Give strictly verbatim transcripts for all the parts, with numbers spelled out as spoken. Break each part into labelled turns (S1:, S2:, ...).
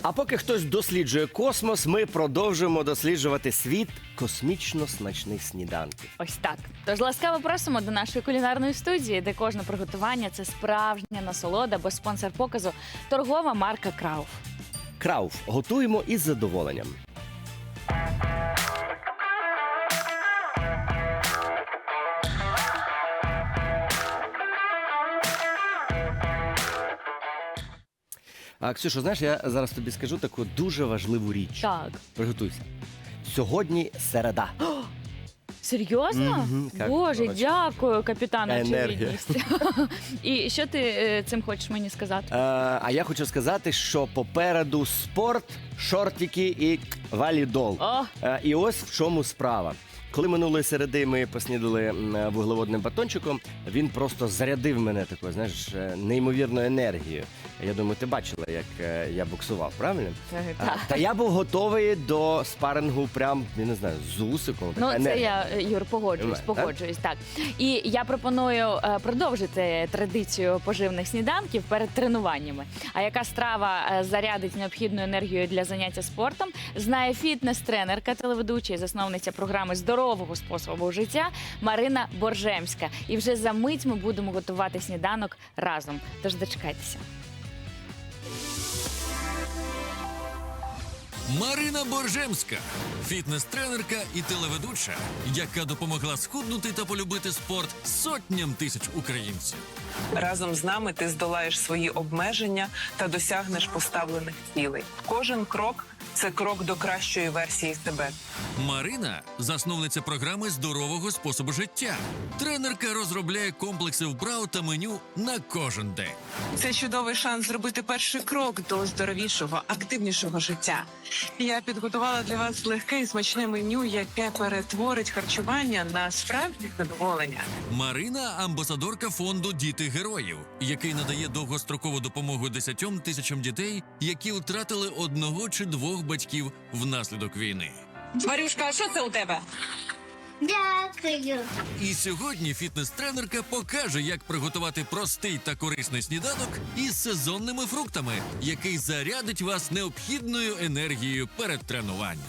S1: А поки хтось досліджує космос, ми продовжуємо досліджувати світ космічно смачних сніданків.
S2: Ось так. Тож ласкаво просимо до нашої кулінарної студії, де кожне приготування – це справжня насолода, бо спонсор показу – торгова марка Крауф.
S1: Крауф. Готуємо із задоволенням. А, Ксюшо, знаєш, я зараз тобі скажу таку дуже важливу річ.
S2: Так.
S1: Приготуйся. Сьогодні середа.
S2: Серйозно?
S1: Мгм, як
S2: Боже,
S1: коротше.
S2: дякую, капітану
S1: Енергія.
S2: очевидність. І що ти е, цим хочеш мені сказати?
S1: Е, а я хочу сказати, що попереду спорт, шортики і валідол.
S2: О,
S1: Е, І ось в чому справа. Коли минулої середи ми поснідали м, вуглеводним батончиком, він просто зарядив мене такою, знаєш, е, неймовірною енергією. Я думаю, ти бачила, як е, я боксував, правильно? А,
S2: так.
S1: Та я був готовий до спарингу прям, я не знаю, з усиком.
S2: Ну,
S1: така
S2: це
S1: енергія.
S2: я, Юр, погоджуюсь,
S1: Так?
S2: погоджуюсь, так. І я пропоную е, продовжити традицію поживних сніданків перед тренуваннями. А яка страва е, зарядить необхідну енергію для заняття спортом, знає фітнес-тренерка, телеведуча і засновниця програми здорового способу життя Марина Боржемська. І вже за мить ми будемо готувати сніданок разом. Тож дочекайтеся.
S3: Марина Боржемська – фітнес-тренерка і телеведуча, яка допомогла схуднути та полюбити спорт сотням тисяч українців.
S4: Разом з нами ти здолаєш свої обмеження та досягнеш поставлених цілей. Кожен крок – це крок до кращої версії себе.
S3: Марина – засновниця програми здорового способу життя. Тренерка розробляє комплекси вправ та меню на кожен день.
S4: Це чудовий шанс зробити перший крок до здоровішого, активнішого життя. Я підготувала для вас легке і смачне меню, яке перетворить харчування на справжнє задоволення.
S3: Марина – амбасадорка фонду «Діти героїв», який надає довгострокову допомогу десятьом тисячам дітей, які втратили одного чи двох батьків внаслідок війни.
S4: Марюшка, а що це у тебе?
S5: Дякую.
S3: І сьогодні фітнес-тренерка покаже, як приготувати простий та корисний сніданок із сезонними фруктами, який зарядить вас необхідною енергією перед тренуванням.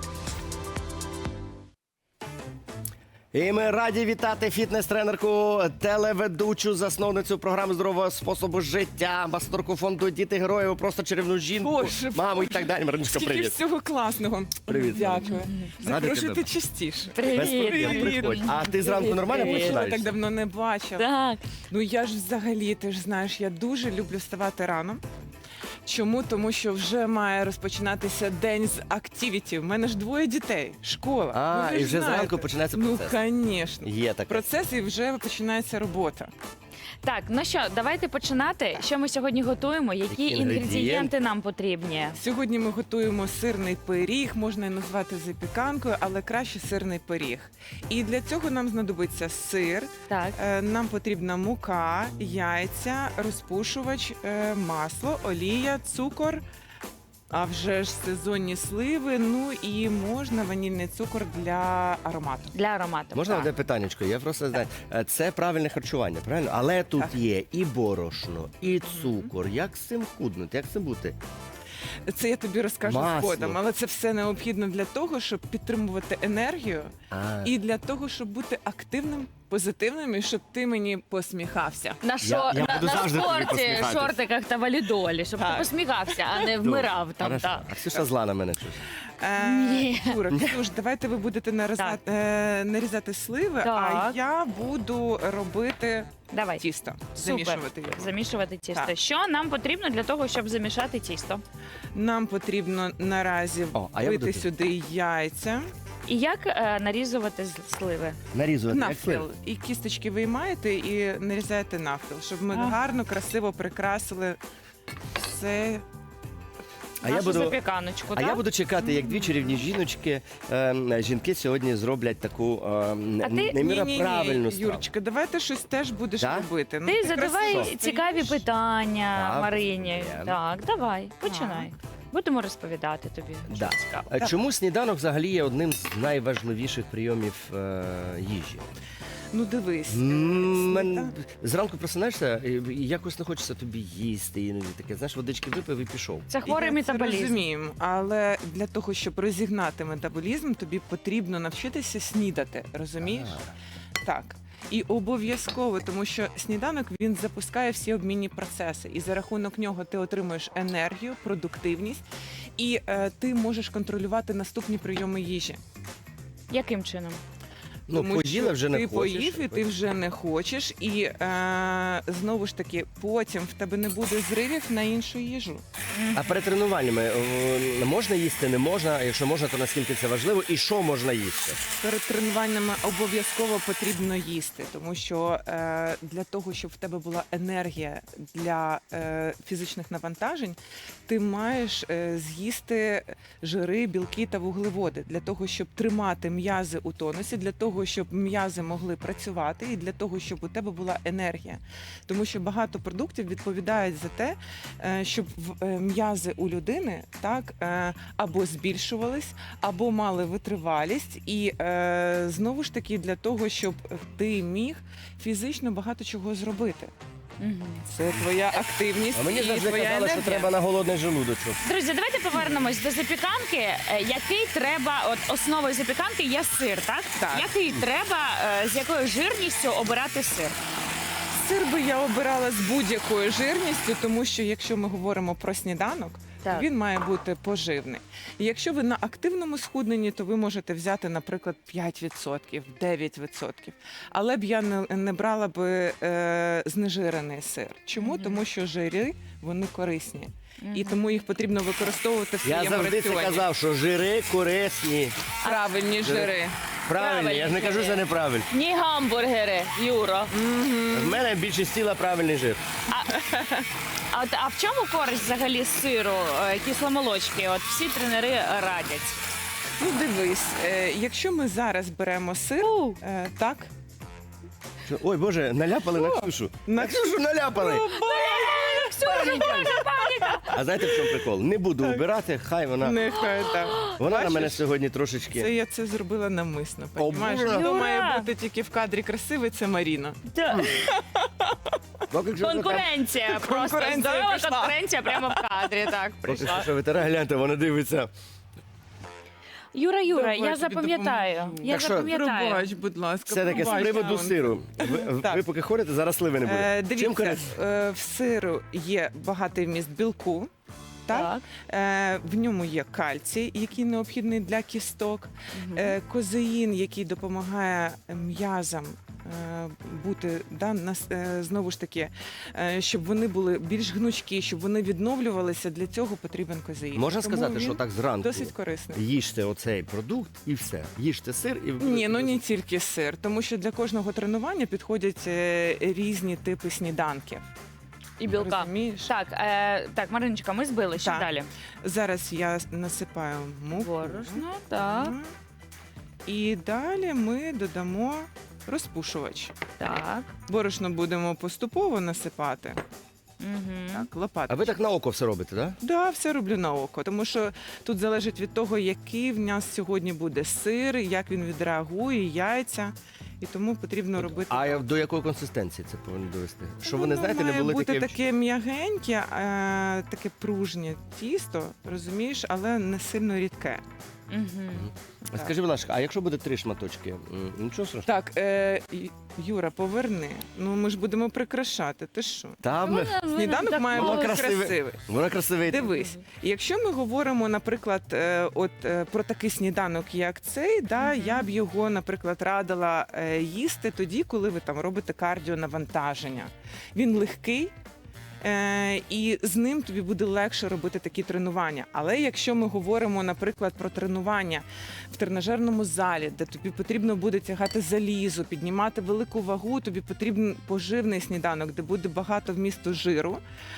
S1: І ми раді вітати фітнес-тренерку, телеведучу, засновницю програми здорового способу життя, амбасадорку фонду «Діти героїв», просто чарівну жінку,
S6: Боже,
S1: маму і так далі. Мариночка,
S6: Стільки
S1: привіт.
S6: всього класного.
S1: Привіт,
S6: Дякую.
S1: Радий
S6: Запрошуйте
S1: тебе.
S6: частіше.
S1: Без проблем,
S2: Привіт!
S1: приходь. А ти зранку нормально
S2: Привіт.
S6: Я
S1: починаєш?
S6: так давно не бачила.
S2: Так.
S6: Ну я ж взагалі, ти ж знаєш, я дуже люблю вставати рано. Чому? Тому що вже має розпочинатися день з активіті. У мене ж двоє дітей, школа.
S1: А,
S6: Ну, ви
S1: і
S6: ж
S1: вже
S6: знаєте.
S1: зранку починається
S6: Ну,
S1: процес.
S6: звісно.
S1: Є таке.
S6: Процес і вже починається робота.
S2: Так, ну що, давайте починати. Що ми сьогодні готуємо? Які
S1: Які інгредієнти?
S2: інгредієнти нам потрібні?
S6: Сьогодні ми готуємо сирний пиріг, можна і назвати запіканкою, але краще сирний пиріг. І для цього нам знадобиться сир,
S2: Так.
S6: е, нам потрібна мука, яйця, розпушувач, е, масло, олія, цукор, а вже ж сезонні сливи, ну і можна ванільний цукор для аромату.
S2: Для аромату.
S1: Можна
S2: Так.
S1: одне питаннячко? Я просто знаю, е, це правильне харчування, правильно? Але тут
S6: Так.
S1: є і борошно, і цукор. Як з цим худнути? Як з цим бути?
S6: Це я тобі розкажу
S1: Масло.
S6: згодом, але це все необхідно для того, щоб підтримувати енергію
S1: А,
S6: і для того, щоб бути активним, позитивним і щоб ти мені посміхався.
S2: На, шо,
S1: я
S2: на,
S1: буду
S2: на
S1: завжди тобі
S2: спорті,
S1: посміхатись.
S2: шортиках та валідолі, щоб ти
S6: Так.
S2: посміхався, а не вмирав там.
S1: Хорошо.
S2: Так.
S1: А Ксюша зла на мене щось.
S6: Е,
S2: Ні.
S6: Юра, Ксюш, давайте ви будете нарізати, е, нарізати сливи, а
S2: Так.
S6: я буду робити
S2: Давай.
S6: тісто,
S2: Супер.
S6: замішувати його.
S2: Замішувати тісто.
S6: Так.
S2: Що нам потрібно для того, щоб замішати тісто?
S6: Нам потрібно наразі
S1: О, а я
S6: вбити
S1: буду-
S6: сюди яйця,
S2: І як е, нарізувати з- сливи?
S1: Нарізувати. як
S6: навпіл.
S1: слив?
S6: І кісточки виймаєте і нарізаєте навпіл, щоб ми
S2: Ага.
S6: гарно, красиво прикрасили все.
S1: А я
S2: Нашу
S1: буду...
S2: запіканочку,
S1: А
S2: так?
S1: я буду чекати, як дві чарівні жіночки, е, жінки сьогодні зроблять таку е,
S2: А ти-
S1: неміра
S6: Ні-ні-ні,
S1: правильну страву.
S6: Юрочка, давай ти щось теж будеш
S1: Так?
S6: робити. Ну,
S2: Ти задавай
S6: красиво
S2: цікаві
S6: стоїш.
S2: питання
S1: Так,
S2: Марині.
S1: є.
S2: Так, давай, починай. Будемо розповідати тобі.
S1: Да.
S2: Що цікаво.
S1: Е, Чому сніданок взагалі є одним з найважливіших прийомів е, їжі?
S6: Ну дивись, е,
S1: М, мен-
S6: сніда-
S1: Зранку просинаєшся, і і якось не хочеться тобі їсти, іноді таке, знаєш, водички випив і пішов.
S2: Це хворий
S6: Я
S2: метаболізм.
S6: Це розумію, але для того, щоб розігнати метаболізм, тобі потрібно навчитися снідати. Розумієш? Так. І обов'язково, тому що сніданок він запускає всі обмінні процеси, і за рахунок нього ти отримуєш енергію, продуктивність, і е, ти можеш контролювати наступні прийоми їжі.
S2: Яким чином?
S1: Ну,
S6: Тому
S1: поїла,
S6: що
S1: вже не
S6: ти
S1: хочеш.
S6: поїв і ти вже не хочеш, і е, знову ж таки потім в тебе не буде зривів на іншу їжу.
S1: А перед тренуваннями е, можна їсти, не можна? А якщо можна, то наскільки це важливо? І що можна їсти?
S6: Перед тренуваннями обов'язково потрібно їсти, тому що е, для того, щоб в тебе була енергія для е, фізичних навантажень, ти маєш е, з'їсти жири, білки та вуглеводи для того, щоб тримати м'язи у тонусі, для того, щоб м'язи могли працювати, і для того, щоб у тебе була енергія. Тому що багато продуктів відповідають за те, е, щоб в- е, м'язи у людини так е, або збільшувались, або мали витривалість, і е, знову ж таки для того, щоб ти міг фізично багато чого зробити.
S2: Мгм.
S6: Це твоя активність
S1: А мені
S6: і
S1: завжди
S6: твоя
S1: казали, що
S6: енергія.
S1: треба на голодний желудочок.
S2: Друзі, давайте повернемось до запіканки. Е, Який треба, от основою запіканки є сир, так?
S6: Так.
S2: Який треба, е, з якою жирністю обирати сир?
S6: Сир би я обирала з будь-якою жирністю, тому що якщо ми говоримо про сніданок,
S2: Так.
S6: він має бути поживний. І якщо ви на активному схудненні, то ви можете взяти, наприклад, п'ять відсотків, дев'ять відсотків. Але б я не, не брала би е, знежирений сир. Чому?
S2: Мгм.
S6: Тому що жири, вони корисні. І
S2: Мгм.
S6: тому їх потрібно використовувати в
S1: Я
S6: своєму
S1: завжди це
S6: раціоні.
S1: казав, що жири корисні.
S6: Правильні жири.
S1: Правильні, я ж не кажу, що неправильні.
S2: Ні гамбургери, Юро.
S1: В мене більшість тіла правильний жир.
S2: А, от, а в чому користь взагалі сиру, е, кисломолочки? От всі тренери радять.
S6: Ну дивись, е, якщо ми зараз беремо сир, е, так,
S1: Що, ой, Боже, наляпали на Ксюшу.
S6: На
S1: На Ксюшу наляпали. А знаєте, в чому прикол? Не буду вбирати, хай вона.
S6: нехай так.
S1: Вона на
S6: Бачиш?
S1: мене сьогодні
S6: Це
S1: трошечки.
S6: я це зробила навмисно.
S1: О,
S6: Понімаєш?
S1: Боже.
S6: Хто
S2: Юра!
S6: має бути тільки в кадрі красивий, це Маріна.
S1: Поки Ксюша там-
S2: Конкуренція, просто
S6: Конкуренція
S2: здорова
S6: пішла.
S2: конкуренція прямо в кадрі. Так,
S1: Поки
S2: прийшла.
S1: Ксюша витирає, гляньте, вона дивиться.
S2: Юра, Юра,
S6: Давай,
S2: я
S6: тобі
S2: запам'ятаю.
S6: допоможу.
S2: Я
S1: Так що,
S2: запам'ятаю.
S6: Пробач, будь ласка.
S1: Це таке з
S6: пробач,
S1: приводу
S6: Таун.
S1: сиру. Ви,
S6: Так.
S1: ви поки ходите, зараз сливи не буде.
S6: Е,
S1: Чим
S6: Дивіться,
S1: корисно?
S6: е, в сиру є багатий вміст білку. Так? Е, в ньому є кальцій, який необхідний для кісток, е, козеїн, який допомагає м'язам е, бути да, нас, е, знову ж таки, е, щоб вони були більш гнучкі, щоб вони відновлювалися. Для цього потрібен козеїн.
S1: Можна
S6: Тому
S1: сказати,
S6: він
S1: що так зранку
S6: досить корисний.
S1: їжте оцей продукт і все. Їжте сир і
S6: Ні, ну не тільки сир, тому що для кожного тренування підходять е, різні типи сніданків.
S2: І білка.
S6: Розумієш?
S2: Так, е, так, Мариночка, ми збили. Що
S6: Так.
S2: далі?
S6: Зараз я насипаю муку.
S2: Борошно, так,
S6: Мгм. І далі ми додамо розпушувач.
S2: так.
S6: Борошно будемо поступово насипати.
S2: Угу.
S6: Так, лопаточкою.
S1: А ви так на око все робите, так?
S6: Да, все роблю на око, тому що тут залежить від того, який в нас сьогодні буде сир, як він відреагує, яйця. І тому потрібно робити.
S1: А
S6: так.
S1: до якої консистенції це повинно довести? Що
S6: Воно
S1: вони, знаєте, не
S6: має
S1: були
S6: бути
S1: такі.
S6: таке м'ягеньке, е, таке пружнє тісто, розумієш, але не сильно рідке.
S2: Угу.
S1: А Скажи, будь ласка, а якщо буде три шматочки, м, нічого страшного?
S6: Так, е, Ю- Юра, поверни. Ну ми ж будемо прикрашати. Ти що?
S1: Там
S6: Сніданок має
S1: Воно
S6: бути
S1: красиве.
S6: красивий.
S1: вона красивий.
S6: Дивись, якщо ми говоримо, наприклад, е, от е, про такий сніданок, як цей, да,
S2: Мгм.
S6: я б його, наприклад, радила е, їсти тоді, коли ви там робите кардіонавантаження. Він легкий. Е, і з ним тобі буде легше робити такі тренування. Але якщо ми говоримо, наприклад, про тренування в тренажерному залі, де тобі потрібно буде тягати залізо, піднімати велику вагу, тобі потрібен поживний сніданок, де буде багато вмісту жиру,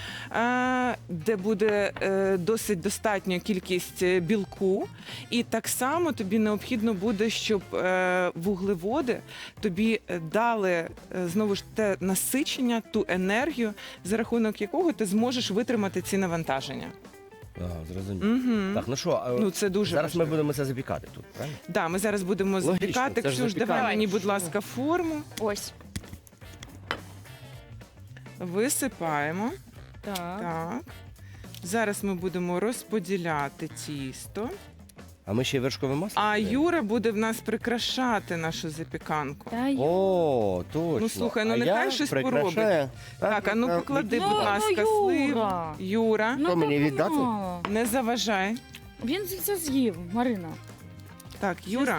S6: е, де буде е, досить достатня кількість е, білку. І так само тобі необхідно буде, щоб е, вуглеводи тобі е, дали е, знову ж те насичення, ту енергію, за рахунок якого ти зможеш витримати ці навантаження.
S1: Ага, зрозумів.
S6: Угу.
S1: Так, ну що, а
S6: Ну, це дуже
S1: зараз ми
S6: важливо.
S1: будемо це запікати тут, правильно?
S6: Да, ми зараз будемо
S1: Логічно,
S6: запікати.
S1: це ж
S6: Ксюш,
S1: запікання.
S6: давай мені, будь ласка, форму.
S2: Ось.
S6: Висипаємо.
S2: Так.
S6: Так. Зараз ми будемо розподіляти тісто.
S1: А ми ще й вершкове масло?
S6: А
S1: додаємо?
S6: Юра буде в нас прикрашати нашу запіканку.
S2: Та й-
S1: О, точно.
S6: Ну, слухай, ну,
S1: А
S6: нехай
S1: я
S6: щось
S1: прикрашаю.
S6: Так, а ну поклади,
S2: Ну,
S6: будь
S2: ну,
S6: ласка,
S2: Юра.
S6: сливу. Юра,
S1: Що, мені
S2: так
S1: віддати?
S2: мало.
S6: не заважай.
S2: Він це з'їв, Марина.
S6: Так, Юра,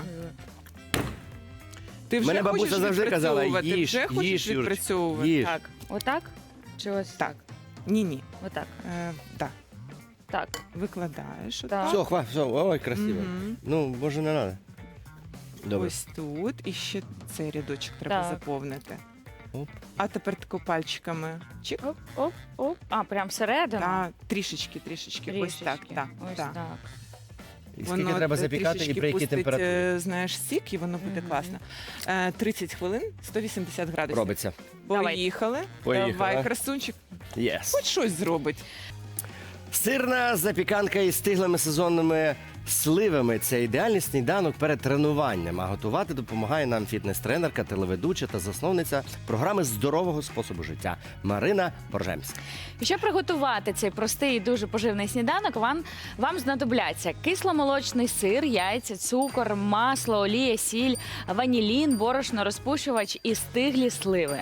S6: ти вже
S1: Мене бабуся
S6: хочеш
S1: завжди казала,
S6: відпрацьовувати?
S1: їж,
S6: Вже хочеш
S1: їж, Юрочка,
S6: відпрацьовувати?
S1: їж.
S6: Так,
S2: Отак? Чи ось?
S6: так. Ні-ні.
S2: Отак.
S6: Е, так,
S2: Так.
S6: викладаєш.
S2: Так.
S6: отак.
S1: Все, хва, все, ой, красиво.
S6: Мгм.
S1: Ну, може, не треба. Добре.
S6: Ось тут. І ще цей рядочок треба
S2: Так.
S6: заповнити.
S1: Оп.
S6: А тепер тако пальчиками. Чик.
S2: Оп, оп, оп. А, прям всередину?
S6: Та, трішечки, трішечки. Ось так,
S2: Трішечки.
S6: так.
S2: Ось
S6: так.
S2: так.
S1: І скільки треба
S6: е,
S1: запікати і
S6: трішечки
S1: при якій
S6: пустить,
S1: температурі?
S6: е, знаєш, сік, і воно буде
S2: Мгм.
S6: класно. Е, тридцять хвилин, сто вісімдесят градусів.
S1: Робиться.
S2: Давай.
S6: Поїхали.
S1: Поїхали.
S6: Давай, красунчик.
S1: Єс.
S6: Хоч щось зробить.
S1: Сирна запіканка із стиглими сезонними сливами – це ідеальний сніданок перед тренуванням. А готувати допомагає нам фітнес-тренерка, телеведуча та засновниця програми здорового способу життя Марина Боржемська.
S2: І щоб приготувати цей простий і дуже поживний сніданок, вам, вам знадобляться кисломолочний сир, яйця, цукор, масло, олія, сіль, ванілін, борошно, розпушувач і стиглі сливи.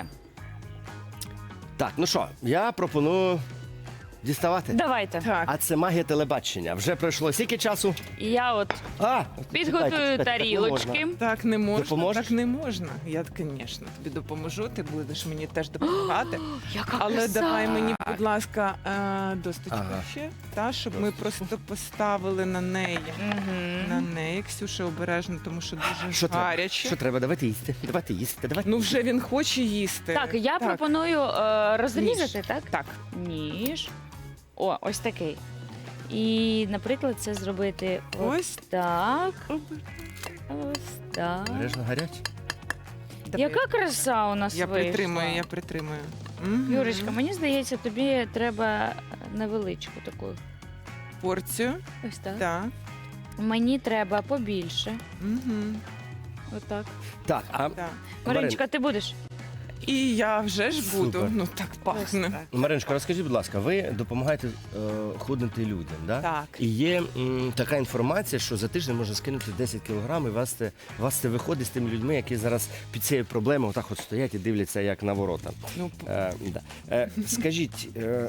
S1: Так, ну що, я пропоную діставати.
S2: Давайте.
S6: Так.
S1: А це магія телебачення. Вже пройшло скільки часу?
S2: І я от
S1: А,
S2: підготую
S1: чекайте, чекайте, так не
S2: тарілочки.
S1: можна.
S6: Так не можна,
S1: Допоможеш?
S6: так не можна. Я, звісно, тобі допоможу, ти будеш мені теж допомагати.
S2: Яка
S6: Але
S2: краса!
S6: давай мені, будь ласка, е, досточку
S1: Ага.
S6: ще, та, щоб ми
S1: Досточку.
S6: просто поставили на неї.
S2: Мгм.
S6: На неї, Ксюша, обережно, тому що дуже
S1: Що треба?
S6: гаряче.
S1: Що треба? Давайте їсти. Давайте їсти. Давайте.
S6: Ну вже він хоче їсти.
S2: Так, я пропоную е, розрізати,
S6: Ніж.
S2: так?
S6: Так.
S2: Ніж. О, ось такий. І, наприклад, це зробити ось
S6: Ось.
S2: так. Ось так.
S1: Обережно гаряче.
S6: Давай.
S2: Яка краса у нас
S6: Я
S2: вийшла.
S6: притримую, я притримую. Мгм.
S2: Юрочка, мені здається, тобі треба невеличку таку.
S6: Порцію.
S2: Ось так.
S6: Так.
S2: Мені треба побільше.
S6: Угу.
S2: Отак.
S1: Так, а
S6: Так.
S2: Мариночка, ти будеш?
S6: І я вже ж буду.
S1: Супер.
S6: Ну так пахне.
S1: Мариночка, розкажіть, будь ласка, ви допомагаєте е, худнути людям, да?
S6: Так.
S1: І є м, така інформація, що за тиждень можна скинути десять кілограм, і вас це, вас це виходить з тими людьми, які зараз під цією проблемою отак от стоять і дивляться як на ворота.
S6: Ну,
S1: Е, да. е, скажіть, е,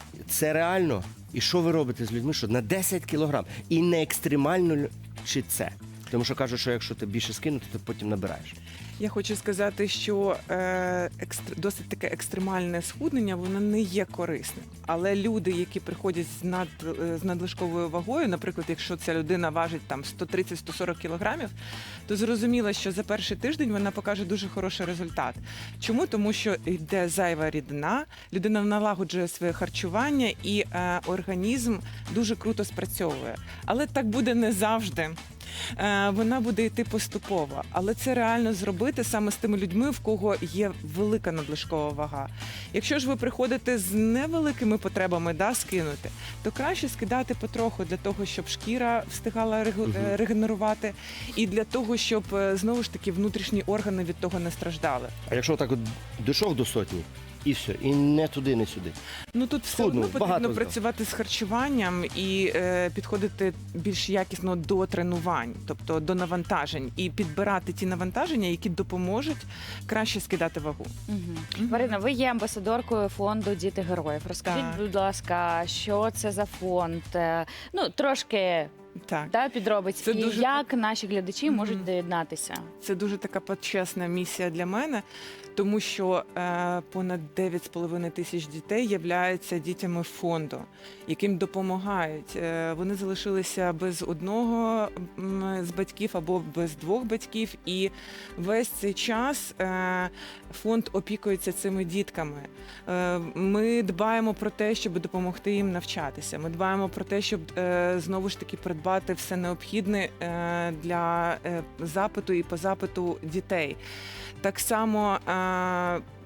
S1: це реально? І що ви робите з людьми, що на десять кілограм? І не екстремально лю- чи це? Тому що кажуть, що якщо ти більше скинути, то потім набираєш.
S6: я хочу сказати, що е, екстр... досить таке екстремальне схуднення, воно не є корисним. Але люди, які приходять з над е, з надлишковою вагою, наприклад, якщо ця людина важить там сто тридцять - сто сорок кілограмів, то зрозуміло, що за перший тиждень вона покаже дуже хороший результат. Чому? Тому що йде зайва рідина, людина налагоджує своє харчування і е, організм дуже круто спрацьовує. Але так буде не завжди. Е, Вона буде йти поступово, але це реально зробити саме з тими людьми, в кого є велика надлишкова вага. Якщо ж ви приходите з невеликими потребами, да, скинути, то краще скидати потроху для того, щоб шкіра встигала регу-
S1: Мгм.
S6: е, регенерувати, і для того, щоб е, знову ж таки внутрішні органи від того не страждали.
S1: А якщо так от дійшов до сотні, і все, і не туди, не сюди.
S6: Ну тут все
S1: Схуднув,
S6: одно
S1: багато
S6: потрібно
S1: здав.
S6: працювати з харчуванням і е, підходити більш якісно до тренувань, тобто до навантажень, і підбирати ті навантаження, які допоможуть краще скидати вагу.
S2: Угу.
S6: Мгм.
S2: Марина, ви є амбасадоркою фонду Діти героїв. Розкажіть,
S6: Так.
S2: будь ласка, що це за фонд? Е, Ну, трошки
S6: Так.
S2: да, підробиць.
S6: Це
S2: І
S6: дуже-
S2: як наші глядачі
S6: Мгм.
S2: можуть доєднатися?
S6: Це дуже така почесна місія для мене, тому що е, понад дев'ять з половиною тисяч дітей являються дітями фонду, яким допомагають. Е, вони залишилися без одного м, з батьків або без двох батьків, і весь цей час е, фонд опікується цими дітками. Е, ми дбаємо про те, щоб допомогти їм навчатися. Ми дбаємо про те, щоб е, знову ж таки придбати все необхідне е, для е, запиту і по запиту дітей. Так само е,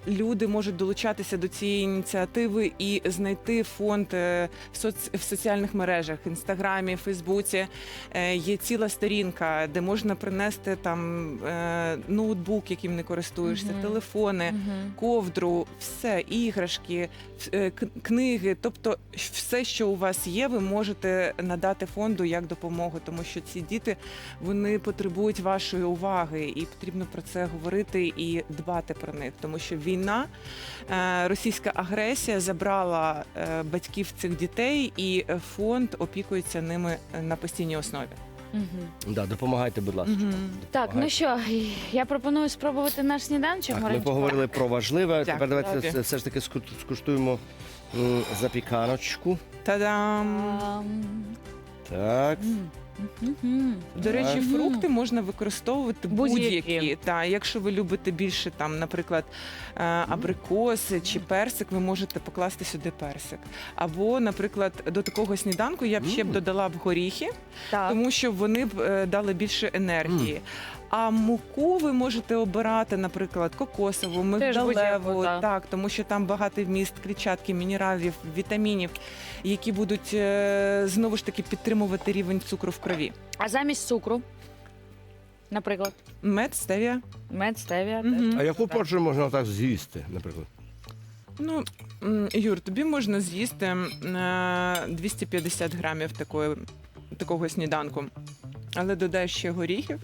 S6: люди можуть долучатися до цієї ініціативи і знайти фонд е, в, соц... в соціальних мережах, інстаграмі, Фейсбуці. Е, Є ціла сторінка, де можна принести там е, ноутбук, яким не користуєшся,
S2: Мгм.
S6: телефони,
S2: Мгм.
S6: ковдру, все, іграшки, е, к- книги. Тобто все, що у вас є, ви можете надати фонду як допомогу, тому що ці діти вони потребують вашої уваги, і потрібно про це говорити і дбати про них, тому що війна, е, російська агресія забрала е, батьків цих дітей, і е, фонд опікується ними е, на постійній основі.
S2: Мгм.
S1: Да, допомагайте, будь ласка.
S2: Так, ну що, я пропоную спробувати наш сніданчик.
S1: Так, ми
S2: Мариночко.
S1: поговорили про важливе.
S6: Дякую,
S1: Тепер давайте
S6: Бабі.
S1: все- все ж таки ску- скуштуємо м, запіканочку.
S6: Та-дам!
S2: Ам,
S1: Так.
S2: м, мгм.
S6: До речі,
S2: Мгм.
S6: фрукти можна використовувати
S2: Будь-які.
S6: будь-які. Та, якщо ви любите більше, там, наприклад, е, абрикоси чи персик, ви можете покласти сюди персик. Або, наприклад, до такого сніданку я б ще б
S1: Мм.
S6: додала б горіхи,
S2: Так.
S6: тому що вони б е, дали більше енергії. А муку ви можете обирати, наприклад, кокосову, мигдалеву,
S2: будь-яку, так.
S6: так, тому що там багатий вміст клітчатки, мінералів, вітамінів, які будуть е, знову ж таки підтримувати рівень цукру в крові.
S2: А замість цукру, наприклад,
S6: Мед, стевія.
S2: мед, стевія.
S6: Мгм.
S2: теж.
S1: А яку порцію можна так з'їсти, наприклад?
S6: Ну, м, Юр, тобі можна з'їсти е, двісті п'ятдесят грамів такої, такого сніданку, але додай ще горіхів.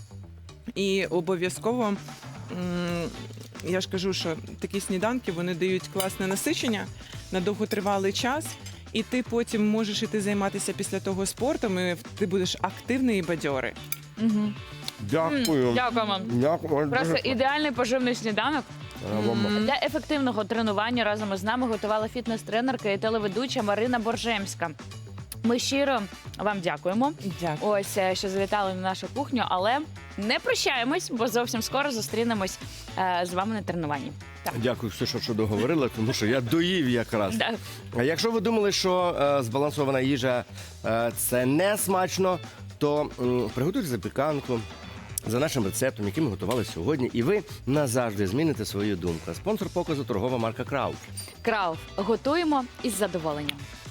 S6: І обов'язково, м, я ж кажу, що такі сніданки вони дають класне насичення на довготривалий час. І ти потім можеш іти займатися після того спортом, і ти будеш активний і бадьорий.
S2: Мгм.
S1: Дякую.
S2: М, Дякуємо.
S1: Дякую.
S2: Просто
S1: Дуже-
S2: ідеальний поживний сніданок.
S1: А, вам-
S2: Для ефективного тренування разом із нами готувала фітнес-тренерка і телеведуча Марина Боржемська. Ми щиро вам дякуємо.
S6: Дякую.
S2: Ось е, що завітали на нашу кухню, але не прощаємось, бо зовсім скоро зустрінемось е, з вами на тренуванні. Так.
S1: Дякую, все, що, що договорила, тому що я доїв якраз.
S2: Да.
S1: А якщо ви думали, що е, збалансована їжа е, це не смачно, то м, приготуйте запіканку за нашим рецептом, який ми готували сьогодні, і ви назавжди зміните свою думку. Спонсор показу торгова марка Крауф.
S2: Крауф. Готуємо із задоволенням.